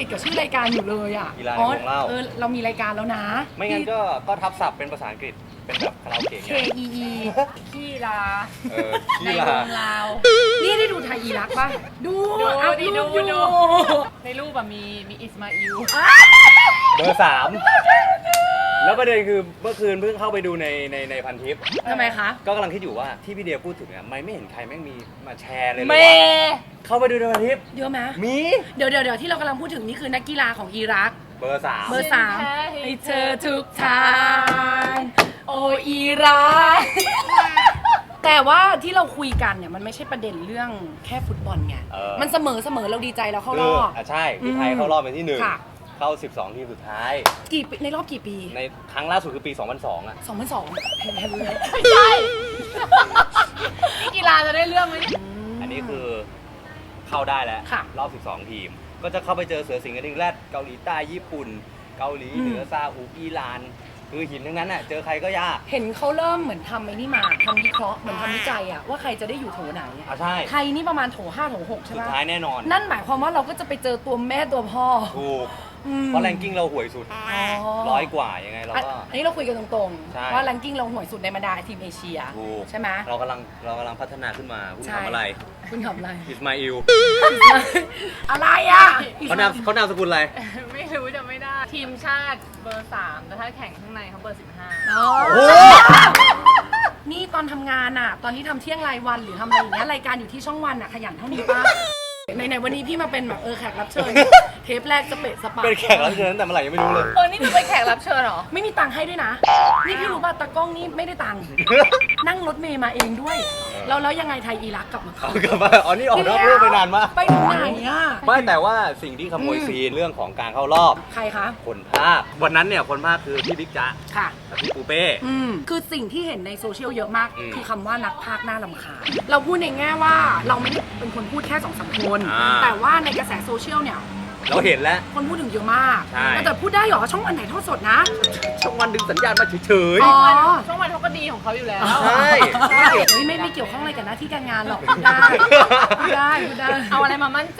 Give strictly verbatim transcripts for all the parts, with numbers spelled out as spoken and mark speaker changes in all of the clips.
Speaker 1: ติดกับชื่อรายการอยู่เลยอ่ะ
Speaker 2: กีฬาในวงเล่า
Speaker 1: เออเรามีรายการแล้วนะ
Speaker 2: ไม่งั้นก็ก็ทับศัพท์เป็นภาษาอังกฤษเป็นแบบคาราโอเกะ
Speaker 1: K
Speaker 2: ไง
Speaker 1: E E
Speaker 3: ขี้ลา
Speaker 2: เออ
Speaker 3: ใน
Speaker 2: กี
Speaker 3: ว
Speaker 2: ฬาง
Speaker 3: ลาว
Speaker 1: นี่ได้ดูไทยอีรักป่ะ ดู
Speaker 3: ดู
Speaker 1: อัพ
Speaker 3: ดิ
Speaker 1: รู
Speaker 3: ดู
Speaker 1: ปอยู่
Speaker 3: ดูในรูปแบบมีมีอิสมาอิล
Speaker 2: เบอร์สามแล้วประเด็นคือเมื่อคืนเพิ่งเข้าไปดูในในในพันทิป
Speaker 1: ทำไมคะ
Speaker 2: ก็กำลังคิดอยู่ว่าที่พี่เดียพูดถึงอ่ะไม่ไม่เห็นใครแม่งมีมาแชร์เลยเล
Speaker 3: เม
Speaker 2: ยว่าเข้าไปดูในพันทิป
Speaker 1: เยอะไหม
Speaker 2: มี
Speaker 1: เดี๋ยวเดี๋ยวเดี๋ยวที่เรากำลังพูดถึงนี่คือนักกีฬาของอิรัก
Speaker 2: เบอร์สาม
Speaker 1: เบอร์สามให้เธอทุกทางโออิรัก แต่ว่าที่เราคุยกันเนี่ยมันไม่ใช่ประเด็นเรื่องแค่ฟุตบอลไง
Speaker 2: เออ
Speaker 1: มันเสมอเสมอเราดีใจเราเข้าร
Speaker 2: คือ
Speaker 1: อบ
Speaker 2: อ่ะใช่พี่ไทยเข้ารอบเป็นที่หนึ่ง
Speaker 1: ค่ะ
Speaker 2: เข้าสิบสองทีมสุดท้าย
Speaker 1: กี่ปีในรอบกี่ปี
Speaker 2: ในครั้งล่าสุดคือปี สองพันสอง อ่ะ
Speaker 1: สองพันสองเห็นเห็นเลย
Speaker 3: ไม่ใช่นี่กีฬาจะได้เรื่องไหม
Speaker 2: อันนี้คือเข้าได้แล้ว
Speaker 1: ค่ะ
Speaker 2: รอบสิบสองทีม ก็จะเข้าไปเจอเสือสิงห์กระดิ่งแรดเกาหลีใต้ญี่ปุ่น เกาหลีเหนือซาอุอิหร่านคือหินทั้งนั้นอ่ะเจอใครก็ยาก
Speaker 1: เห็นเขาเริ่มเหมือนทำไอ้นี่มาทำวิเคราะห์เหมือนทำวิจัยอะว่าใครจะได้อยู่โถไหนอะ
Speaker 2: อ่ะใช่
Speaker 1: ไทยนี่ประมาณโถห้าโถหกใช่
Speaker 2: สุ
Speaker 1: ไห
Speaker 2: ด
Speaker 1: ม
Speaker 2: ท้ายแน่นอน
Speaker 1: นั่นหมายความว่าเราก็จะไปเจอตัวแม่ตัวพ่อ
Speaker 2: ถูก
Speaker 1: อืม
Speaker 2: เพราะแรงกิ้งเราห่วยสุด
Speaker 1: อ๋อ
Speaker 2: ร้อยกว่ายังไงเรา
Speaker 1: อัน
Speaker 2: ก็
Speaker 1: อันนี้เราคุยกันตรง
Speaker 2: ใช่
Speaker 1: ๆ ว่าแรงกิ้งเราห่วยสุดในบรรดาทีมเอเชีย
Speaker 2: ถูก
Speaker 1: ใช่ไหม
Speaker 2: เรากำลังเรากำลังพัฒนาขึ้นมาคุณ
Speaker 1: ใช่
Speaker 2: ทำอะไร
Speaker 1: คุณทำอะไร
Speaker 2: อิสมาอิล
Speaker 1: อะไรอ่ะ
Speaker 2: เขานามเขานามสกุลอะไร
Speaker 3: ไม่รู้จะไม่ได้ ทีมชาติเบอร์สามแต่ถ้าแข่งข้างในเขาเบอร์สิบห้า
Speaker 1: อ๋อ
Speaker 2: โอ้
Speaker 1: นี่ตอนทำงานอ่ะ ตอนที่ทำเที่ยงรายวันหรือทำอะไรอย่างเงี้ยรายการอยู่ที่ช่องวันอ่ะขยันเท่านี้ป้าในๆวันนี้พี่มาเป็นแบบเออแขกรับเชิญ เทปแรกจะเปะสปา
Speaker 2: เป็นแขกรับเชิญตั้งแต่เมื่อไหร่ยังไม่รู้เลย
Speaker 3: เออนี่เป็นแขกรับเชิญเหรอ
Speaker 1: ไม่มีตังค์ให้ด้วยนะ นี่พี่รู้ป่ะตากล้องนี่ไม่ได้ตังค์ นั่งรถเมย์มาเองด้วย แล้วแล้วยังไงไทยอีรักกลับมา
Speaker 2: เอากลับมาอ๋อนี่ออกนอกเรื่องไปนานมาก
Speaker 1: ไปถึงไหนอ่ะ
Speaker 2: ไม่แต่ว่าสิ่งที่ขโมย
Speaker 1: อืม
Speaker 2: ซีนเรื่องของการเข้ารอบ
Speaker 1: ใครคะ
Speaker 2: คนภาควันนั้นเนี่ยคนภาคคือพี่บิ๊กจ๊ะ
Speaker 1: ค่ะ
Speaker 2: กับพี่ปูเป้
Speaker 1: อืมคือสิ่งที่เห็นในโซเชียลเยอะมาก
Speaker 2: อืม
Speaker 1: คือคำว่านักพากย์น่ารำคาญเราพูดในแง่ว่าเราไม่ได้เป็นคนพูดแค่สองสามคน
Speaker 2: อ่า
Speaker 1: แต่ว่าในกระแสโซเชียลเนี่ย
Speaker 2: เราเห็นแล้ว
Speaker 1: คนพูดถึงเยอะมาก
Speaker 2: ใช่
Speaker 1: แต่พูดได้เหรอช่องวันไหนทอดสดนะ
Speaker 2: ช่องวันดึงสัญญาณมาเฉย
Speaker 1: อ๋อ
Speaker 3: ช่องวันเขาก็ดีของเขาอยู่แล้ว
Speaker 2: ใช่
Speaker 1: ใช่เฮ้ยไม่ไม่เกี่ยวข้องอะไรกับหน้าที่การงานหรอกพูดได้พูดได้พูดได้
Speaker 3: เอาอะไรมามั่นใจ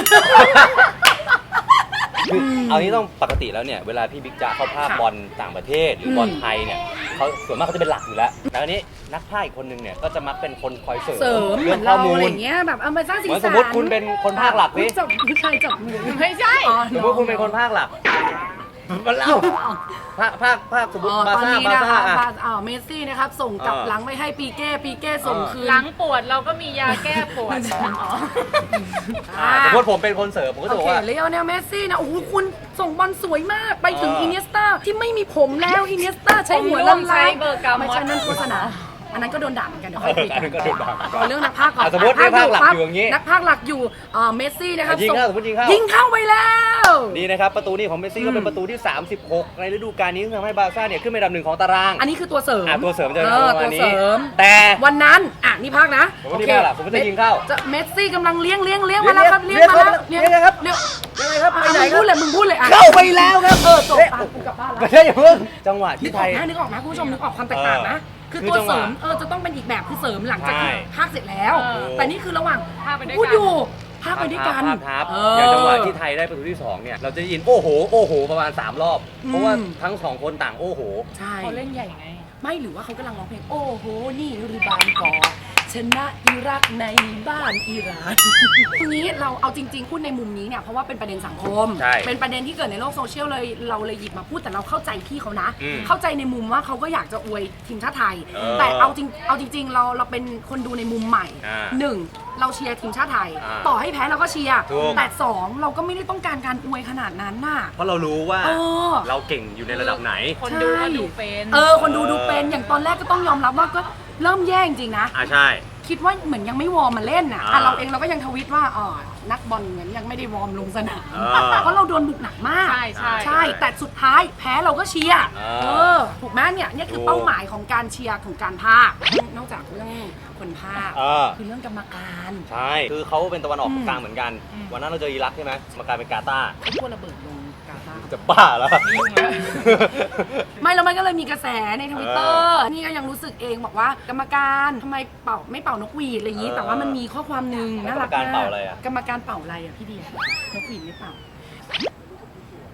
Speaker 2: ๆคือเอานี้ต้องปกติแล้วเนี่ยเวลาพี่บิ๊กจ๊ะเขาภาค
Speaker 1: ค่ะ
Speaker 2: บอลต่างประเทศหรืออ
Speaker 1: ม
Speaker 2: บอลไทยเนี่ยเขาส่วนมากเขาจะเป็นหลักอยู่แล้วแล้วอันนี้นักภาคอีกคนนึงเนี่ยก็จะมักเป็นคนคอยเสริม
Speaker 1: เสริมเหมื
Speaker 2: เรื่
Speaker 1: อ
Speaker 2: อง
Speaker 1: น
Speaker 2: ข้อ
Speaker 1: เรา
Speaker 2: มู
Speaker 1: อะ
Speaker 2: ล
Speaker 1: ไรอย่างเงี้ยแบบเอามาสร้างสี
Speaker 2: เหมือน
Speaker 1: สั
Speaker 2: ส
Speaker 1: น
Speaker 2: มมติคุณเป็นคนภาคหลัก
Speaker 1: อุ๊
Speaker 2: สิ
Speaker 1: ยจับผู้ชายจับมือ
Speaker 3: ไม่ใช่
Speaker 1: อ๋อ
Speaker 2: สมมติคุณเป็นคนภาคหลักมาเล่าภาคภาคภาคสมมติ
Speaker 1: อ๋อบ
Speaker 2: า
Speaker 1: ตอน
Speaker 2: ซ่า
Speaker 1: นี้
Speaker 2: บา
Speaker 1: นะ
Speaker 2: ซ่า
Speaker 1: คะ
Speaker 2: อ่ะ
Speaker 1: อ่าเมสซี่นะครับส่งกลับ
Speaker 2: เออ
Speaker 1: หลังไปให้ปีเก้ปีเก้ส่ง
Speaker 2: เออ
Speaker 1: คืน
Speaker 3: หลังปวดเราก็มียาแก้ปวดอ๋อ
Speaker 2: อ่าสมมติผมเป็นคนเสริมผมก็จะ
Speaker 1: โอบ
Speaker 2: อ
Speaker 1: เค
Speaker 2: กว่า
Speaker 1: เลโอเนลเมสซี่นะโอ้โหคุณส่งบอลสวยมากไปถึง
Speaker 2: เอออิ
Speaker 1: อินเนสตาที่ไม่มีผมแล้วอินเนสตาใช้หัวลำ
Speaker 3: ใช้
Speaker 1: ลาย
Speaker 3: เบอร์กาม
Speaker 1: ไม่ใช่นั่นโฆษณาอันนั้นก็โดนด่าเหมือนกันเดี๋ยวค่อยคุย
Speaker 2: อันนั้นก็โดนด่า
Speaker 1: เอาเรื่องนักพากย์ก่อน
Speaker 2: อ่ะสมมุตินักพากย์หลักอยู่อย่างงี้
Speaker 1: นักพากย์หลักอยู่อ่าเมสซี่นะครับ
Speaker 2: ยิงเข้า
Speaker 1: ส่
Speaker 2: สมมติยิงเข้า
Speaker 1: ยิงเข้าไปแล้ว
Speaker 2: นี่นะครับประตูนี้ของเมสซี่
Speaker 1: อืม
Speaker 2: ก็เป็นประตูที่ สามสิบหก ในฤดูกาลนี้ซึ่งทำให้บาร์ซ่าเนี่ยขึ้นเป็นอันดับหนึ่งของตาราง
Speaker 1: อันนี้คือตัวเสริม
Speaker 2: อ่ะตัวเสริมจะ
Speaker 1: เอ
Speaker 2: เป็น
Speaker 1: อ
Speaker 2: ประ
Speaker 1: ตั
Speaker 2: มาว ณ
Speaker 1: เส
Speaker 2: นี้
Speaker 1: ริม
Speaker 2: แต่
Speaker 1: วันนั้นอ่ะนี่พากย์นะ
Speaker 2: ผมว่านี่พากย์ล่ะผมว่าจะยิงเข้า
Speaker 1: จะเมสซี่กำลังเลี้ยงเลี้ยงเลี้ยงมาแล้วครับ
Speaker 2: เลี้
Speaker 1: เลี้ย
Speaker 2: ย
Speaker 1: ง
Speaker 2: ง
Speaker 1: มาแล้ว
Speaker 2: เลี้ยงครับ
Speaker 1: เลี้ยง
Speaker 2: ยังไงครับไป
Speaker 1: อ่ะ
Speaker 2: ไหน
Speaker 1: มึง
Speaker 2: ครั
Speaker 1: พู
Speaker 2: บ
Speaker 1: ดเลยมึงพูดเลยอ่ะ
Speaker 2: เข้าไปแล้วครับ
Speaker 1: เออจบ
Speaker 2: เอ๊ะ
Speaker 1: ปากกูกลับบ้าน
Speaker 2: ไม่
Speaker 1: แล้ว
Speaker 2: ใช่อย่าเพิ่งจังหวะ
Speaker 1: นึ
Speaker 2: ที่
Speaker 1: ก
Speaker 2: ไท
Speaker 1: ออก
Speaker 2: ย
Speaker 1: นะนึกออกนะคุณผู้ชมนึกออกความแตกต่างนะ คือ
Speaker 2: คือ
Speaker 1: ตัว
Speaker 2: จังห
Speaker 1: เส
Speaker 2: วะ
Speaker 1: ริมเออจะต้องเป็นอีกแบบคือเสริมหลังจากที่
Speaker 2: ใช่
Speaker 1: พากย์เสร็จแล้ว
Speaker 3: เออ
Speaker 1: แต่นี่คือระหว่าง
Speaker 3: พากย์ไปด้วยกัน
Speaker 1: พูดอยู่พากย์ไปด้วยกัน
Speaker 2: ภาพทับ
Speaker 1: เอ
Speaker 2: อย่างจังหวะ
Speaker 1: อ
Speaker 2: ที่ไทยได้ประตูที่สองเนี่ยเราจะได้ยินโอ้โหโอ้โหประมาณสามรอบ
Speaker 1: อืม
Speaker 2: เพราะว่าทั้งสองคนต่างโอ้โห
Speaker 1: ใช่
Speaker 3: เขาเล่นใหญ่ไง
Speaker 1: ไม่หรือว่าเขากำลังร้องเพลงโอ้โหนี่รือบานกอชนะอิรักในบ้านอิหร่านทีนี้เราเอาจริง ๆ พูดในมุมนี้เนี่ยเพราะว่าเป็นประเด็นสังคม
Speaker 2: ใช่
Speaker 1: เป็นประเด็นที่เกิดในโลกโซเชียลเลยเราเลยหยิบมาพูดแต่เราเข้าใจพี่เขานะ
Speaker 2: อืม
Speaker 1: เข้าใจในมุมว่าเขาก็อยากจะอวยทีมชาติไทย
Speaker 2: เออ
Speaker 1: แต่เอาจริงเอาจริง ๆ เราเราเป็นคนดูในมุมใหม่
Speaker 2: อ่า
Speaker 1: หนึ่งเราเชียร์ทีมชาติไทย
Speaker 2: อ่า
Speaker 1: ต่อให้แพ้เราก็เชียร์
Speaker 2: ถูก
Speaker 1: แต่สองเราก็ไม่ได้ต้องการการอวยขนาดนั้นน่ะ
Speaker 2: เพราะเรารู้ว่า
Speaker 1: เออ
Speaker 2: เราเก่งอยู่ในระดับไหน
Speaker 3: คนดูก็ดูเป็น
Speaker 1: เออคนดูดูเป็นอย่างตอนแรกก็ต้องยอมรับว่าก็เริ่มแย่จริงๆนะ
Speaker 2: อ่าใช่
Speaker 1: คิดว่าเหมือนยังไม่วอร์มมาเล่นอ่ะ
Speaker 2: อ่า
Speaker 1: อ่ะเราเองเราก็ยังทวิตว่าอ๋อนักบอลเหมือนยังไม่ได้วอร์มลงสนาม
Speaker 2: อ่า
Speaker 1: เพราะเราโดนบุกหนักมาก
Speaker 3: ใช่ใช่
Speaker 1: ใช่แต่สุดท้ายแพ้เราก็เชียร์
Speaker 2: อ่า
Speaker 1: เออถูกไหมเนี่ยเนี่ยคือ
Speaker 2: ถูก
Speaker 1: เป้าหมายของการเชียร์ของการพากย์นอกจากเรื่องคนพากย์
Speaker 2: เออ
Speaker 1: คือเรื่องกรรมการ
Speaker 2: ใช่ คือเขาเป็นตะวันออก
Speaker 1: อืม
Speaker 2: กลางเหมือนกัน วันนั้นเราเจออิรักใช่ไหมมากลายเป็นกาตาร์
Speaker 1: เขาพูดระเบิดลงกาตาร์
Speaker 2: จะบ้าแล้ว
Speaker 1: ไม่แล้วมันก็เลยมีกระแสในทวิตเตอร์นี่ก็ยังรู้สึกเองบอกว่ากรรมการทำไมเป่าไม่เป่านกหวีดอะไรอย่างนี้
Speaker 2: เออ
Speaker 1: แต่ว่ามันมีข้อความหนึ่งน่ารัก
Speaker 2: กรรมการ
Speaker 1: มาก
Speaker 2: เป่าอะไรอะ
Speaker 1: กรรมการเป่าอะไรอ่ะพี่เดียนกหวีดไม่เป่า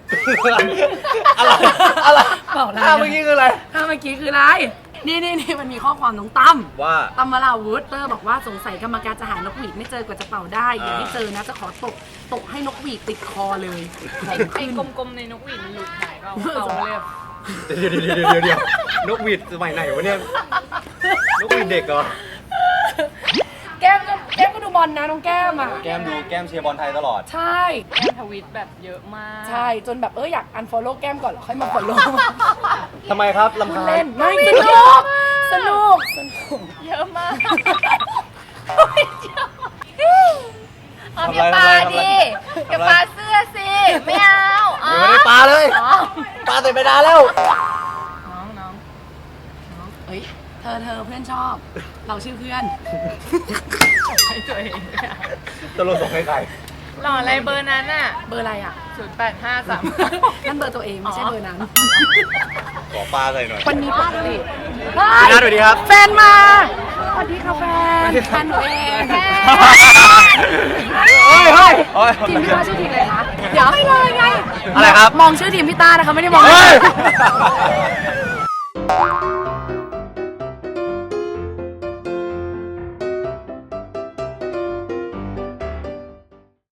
Speaker 2: อะไรอะไร
Speaker 1: บอกแล้ว
Speaker 2: ท่าเมื่อกี้คืออะไร
Speaker 1: ถ้าเมื่อกี้คืออะไร นี่นี่นี่มันมีข้อความน้องตั้ม
Speaker 2: ว่า
Speaker 1: ตั้มมาลาวุธเตอร์บอกว่าสงสัยกรรมการจะหานกหวีดไม่เจอกว่าจะเป่าได้อย่าให้เจอนะจะขอตกตกให้นกหวีดติดคอเลยของ
Speaker 3: ไอ้
Speaker 1: ขึ้น
Speaker 3: กลมๆในนกหวีดมันหลุดหายเปล่าเอาเลย
Speaker 2: เดี๋ยวเดี๋ยวเดี๋ยวเดี๋ยวเดี๋ยวนกหวีดสมัยไหนวะเนี่ยนกหวีดเด็กเหรอ
Speaker 1: แก้มก็แก้มก็ดูบอลนะน้องแก้มอ่ะ
Speaker 2: แก้มดูแก้มเชียร์บอลไทยตลอด
Speaker 1: ใช่
Speaker 3: แก้มทวิตแบบเยอะมาก
Speaker 1: ใช่จนแบบเอออยากอันฟอลโล่แก้มก่อนแล้วค่อยมาฟอลโล่
Speaker 2: ทำไมครับลำ
Speaker 1: พูด
Speaker 2: คาญ
Speaker 1: เล่นไม่สนุกสนุกสนุก
Speaker 3: เยอะมาก
Speaker 2: เอาอย่าปาดิอย่าปาเสื้
Speaker 3: อสิไม่เอาอ๋อ
Speaker 2: ยังไม่ได้ปลาเลย
Speaker 3: อ๋อ
Speaker 2: ปลาเสร็จไปนานแล้ว
Speaker 3: น้องน้อง
Speaker 1: เฮ้ยเธอเธอเพื่อนชอบ เราชื่อเพื่อน
Speaker 3: ให้ตัวเอง
Speaker 2: ตลกส่งให้ใคร
Speaker 3: หล่ออะไรเบอร์นั้นอ่ะ
Speaker 1: เบอร์อะไรอ่ะ
Speaker 3: ศูนย์แปดห้าสาม
Speaker 1: นั่นเบอร์ตัวเองไม่ใช่เบอร์นั้น
Speaker 2: ขอปลาใส่หน่อย
Speaker 1: วันนี้ปกติ
Speaker 2: พี่นัทสวัสดีครับ
Speaker 1: แฟนมาสวัสดีค่ะแฟนแฟนหนูเองแฟน
Speaker 2: เฮ้ยเฮ้ยเฮ้ย
Speaker 1: ทีมพี่ต้าชื่อทีมอะไรคะเดี๋ยวไม่เลยไง
Speaker 2: อะไรครับ
Speaker 1: มองชื่อทีมพี่ต้านะคะไม่ได้มอง
Speaker 2: เฮ้ย